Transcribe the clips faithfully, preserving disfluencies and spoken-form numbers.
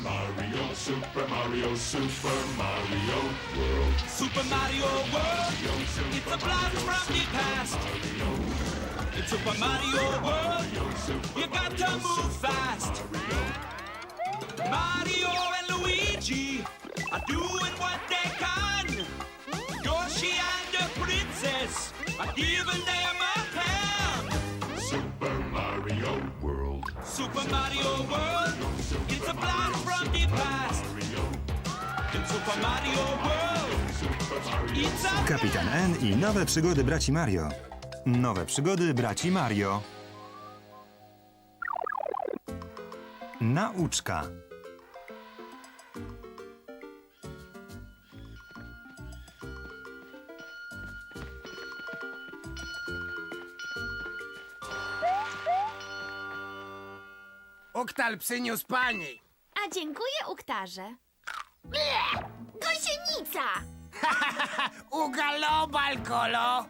Mario, Super Mario, Super Mario World. Super Mario World, it's a blast from the past. It's Super Mario World, you got to move fast. Mario and Luigi are doing what they can. Yoshi and the princess are giving them a hand. Super Mario World. Super Mario World, it's a blast from the past. In Super Mario World, it's a Kapitan N i nowe przygody braci Mario. Nowe przygody braci Mario. Nauczka. Uktal przyniósł pani. A dziękuję, Uktarze. Gąsienica! Ugalobal, kolo.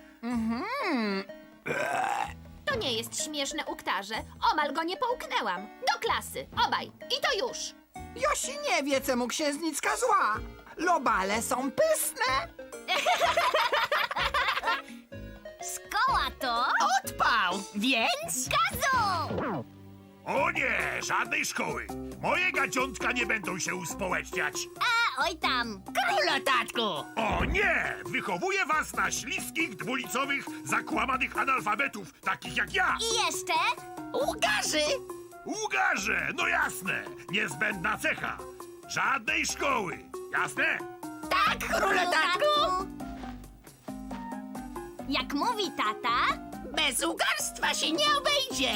To nie jest śmieszne, Uktarze. Omal go nie połknęłam. Do klasy, obaj. I to już. Josi nie wie, czemu księżniczka zła. Lobale są pyszne. Szkoła to... Odpał, więc... Gazu! O nie, żadnej szkoły. Moje gadziątka nie będą się uspołeczniać. A, oj tam. Króla, tatku. O nie, wychowuję was na śliskich, dwulicowych, zakłamanych analfabetów, takich jak ja. I jeszcze... Ugarzy. Ugarze, no jasne, niezbędna cecha. Żadnej szkoły, jasne? Tak, króla, tatku. Jak mówi tata... Bez ugarstwa się nie obejdzie.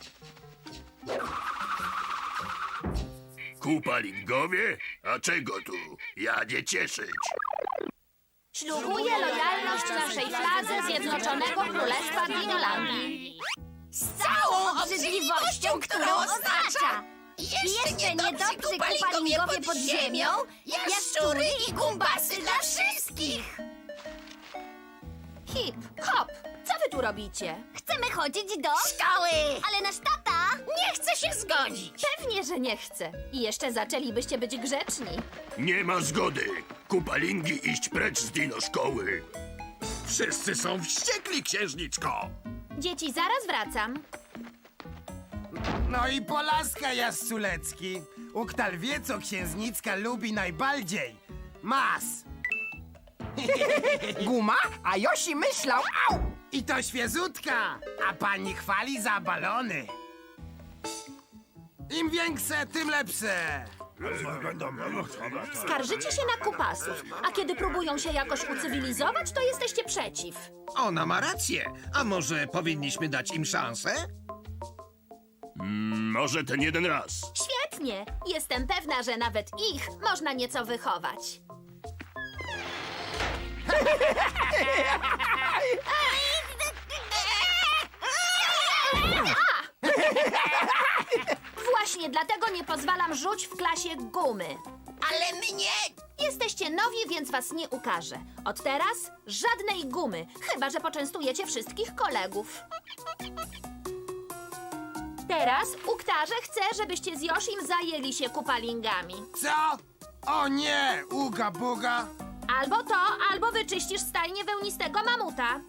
Kupalingowie? A czego tu? Ja nie cieszyć. Ślubuję lojalność naszej fladze Zjednoczonego Królestwa Dinolandii. Z całą obrzydliwością, którą oznacza. Jeszcze niedobrzy kupalingowie pod ziemią, jaszczury i gumbasy dla wszystkich. Hip, hop, co wy tu robicie? Chcemy chodzić do... Szkoły. Ale nasz tata... Nie chcę się zgodzić. Pewnie, że nie chce. I jeszcze zaczęlibyście być grzeczni. Nie ma zgody. Kupalingi iść precz z dino szkoły. Wszyscy są wściekli, księżniczko. Dzieci, zaraz wracam. No i Polaska Jasculecki. Uktal wie, co księżniczka lubi najbardziej. Mas. Guma, a Josi myślał, au! I to świeżutka, a pani chwali za balony. Im większe, tym lepsze. Skarżycie się na kupasów, a kiedy próbują się jakoś ucywilizować, to jesteście przeciw. Ona ma rację. A może powinniśmy dać im szansę? Może ten jeden raz. Świetnie! Jestem pewna, że nawet ich można nieco wychować. Właśnie dlatego nie pozwalam rzuć w klasie gumy. Ale mnie... Jesteście nowi, więc was nie ukażę. Od teraz żadnej gumy, chyba że poczęstujecie wszystkich kolegów. Teraz Uktarze chce, żebyście z Joshim zajęli się kupalingami. Co? O nie, uga buga. Albo to, albo wyczyścisz stajnię wełnistego mamuta.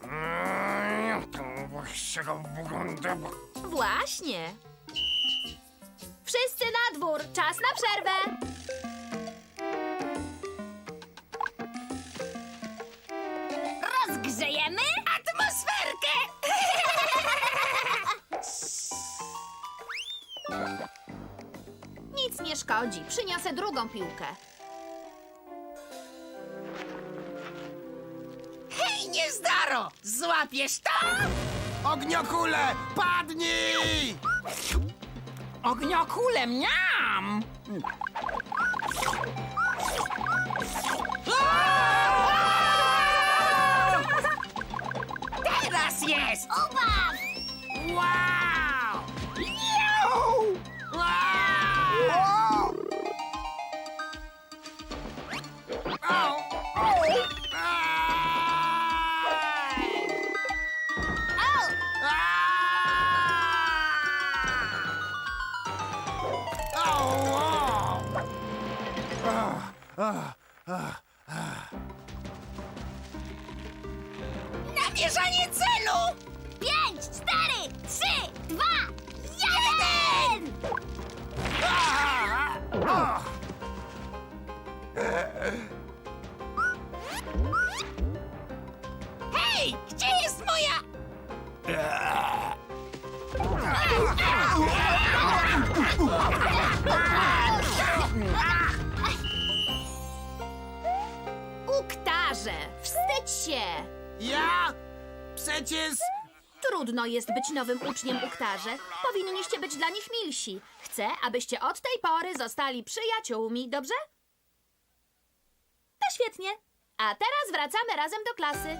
Właśnie. Wszyscy na dwór, czas na przerwę. Rozgrzejemy Atmosferkę! Nic nie szkodzi, przyniosę drugą piłkę. Hej, niezdaro! Złapiesz to? Ogniokule, padnij! Ogniokulem, miam! Teraz jest! Uwaga! Wow! Miau! Wow! Au, au, aj! Au! Au, au! Namierzanie celu! Pięć, cztery, trzy, dwa, jeden! Hej, gdzie jest moja... Uktarze, wstydź się! Ja? Przecież... Trudno jest być nowym uczniem Uktarze. Powinniście być dla nich milsi. Chcę, abyście od tej pory zostali przyjaciółmi, dobrze? To świetnie. A teraz wracamy razem do klasy.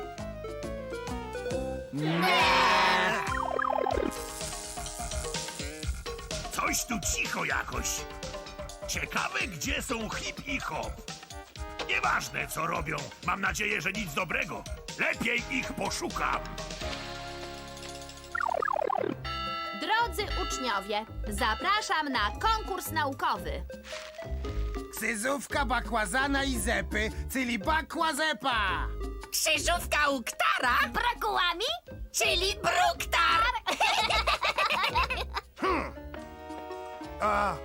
Coś tu cicho jakoś. Ciekawe, gdzie są Hip i Hop. Nieważne, co robią. Mam nadzieję, że nic dobrego. Lepiej ich poszukam. Drodzy uczniowie, zapraszam na konkurs naukowy. Krzyżówka bakłazana i zepy, czyli bakłazepa! Krzyżówka Uktara? Brakułami? Czyli Bruktar! O,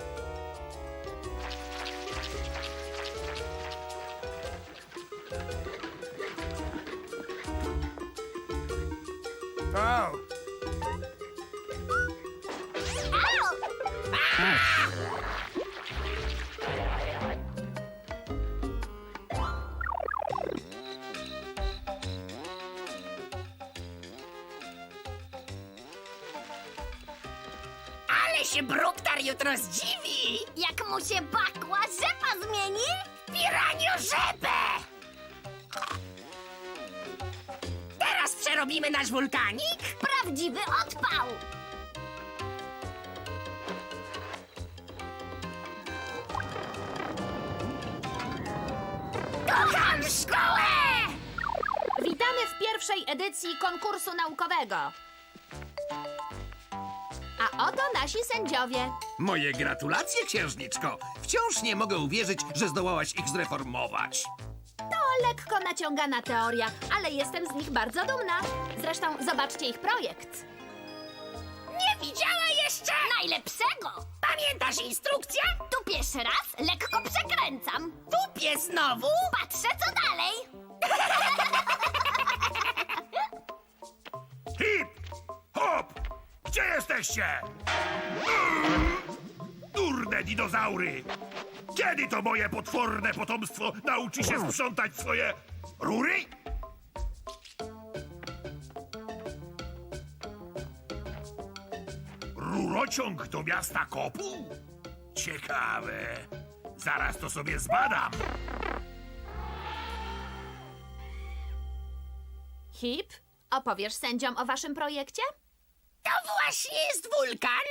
o, Ale się Bruktar jutro zdziwi! Jak mu się bakła rzepa zmieni? W piraniożepę! Teraz przerobimy nasz wulkanik? Prawdziwy odpał! Kocham szkołę! Witamy w pierwszej edycji konkursu naukowego. A oto nasi sędziowie. Moje gratulacje, księżniczko. Wciąż nie mogę uwierzyć, że zdołałaś ich zreformować. To lekko naciągana teoria, ale jestem z nich bardzo dumna. Zresztą zobaczcie ich projekt. Nie widziała jeszcze najlepszego! Pamiętasz instrukcję? Tupiesz raz, lekko przekręcam. Tupię znowu? Patrzę, co dalej. Hip! Hop! Gdzie jesteście? Durne dinozaury! Kiedy to moje potworne potomstwo nauczy się sprzątać swoje rury? Rurociąg do miasta Kopu? Ciekawe. Zaraz to sobie zbadam. Hip, opowiesz sędziom o waszym projekcie? To właśnie jest wulkan?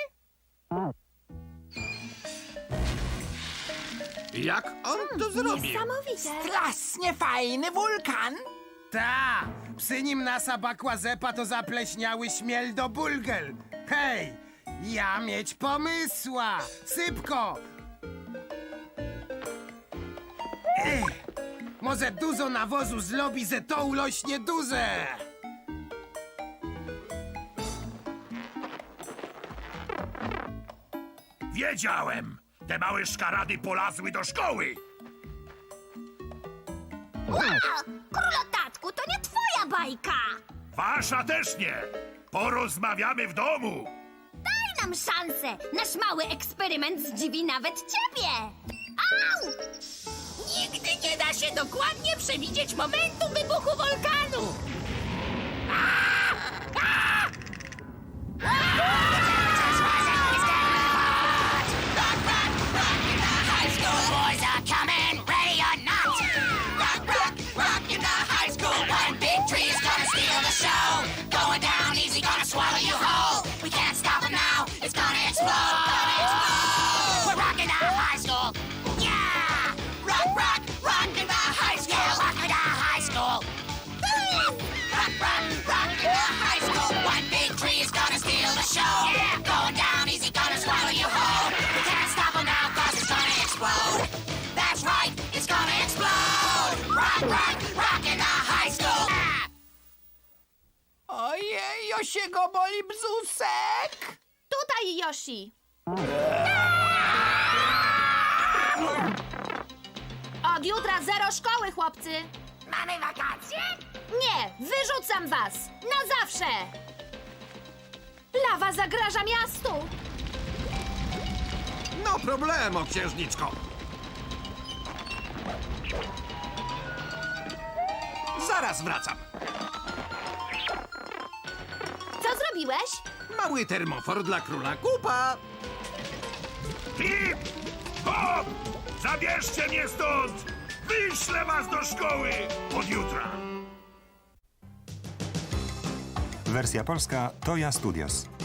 Jak on to zrobił? Niesamowite. Strasznie fajny wulkan! Ta! Przy nim nasa bakłazepa to zapleśniały śmiel do bulgel. Hej! Ja mieć pomysła! Sypko! Ech, może dużo nawozu zrobi, że to ulośnie duże! Wiedziałem! Te małe szkarady polazły do szkoły! Wow! Królotatku, to nie twoja bajka! Wasza też nie! Porozmawiamy w domu! Daj nam szansę! Nasz mały eksperyment zdziwi nawet ciebie! Au! Nigdy nie da się dokładnie przewidzieć momentu wybuchu wulkanu! Show! Yeah! się go boli bzusek? Tutaj, Yoshi! Od jutra zero szkoły, chłopcy! Mamy wakacje? Nie, wyrzucam was! Na zawsze! Lawa zagraża miastu! No problemo, księżniczko. Zaraz wracam. Co zrobiłeś? Mały termofor dla króla Kupa. Hip! Hop! Zabierzcie mnie stąd! Wyślę was do szkoły od jutra! Wersja polska Toya Studios.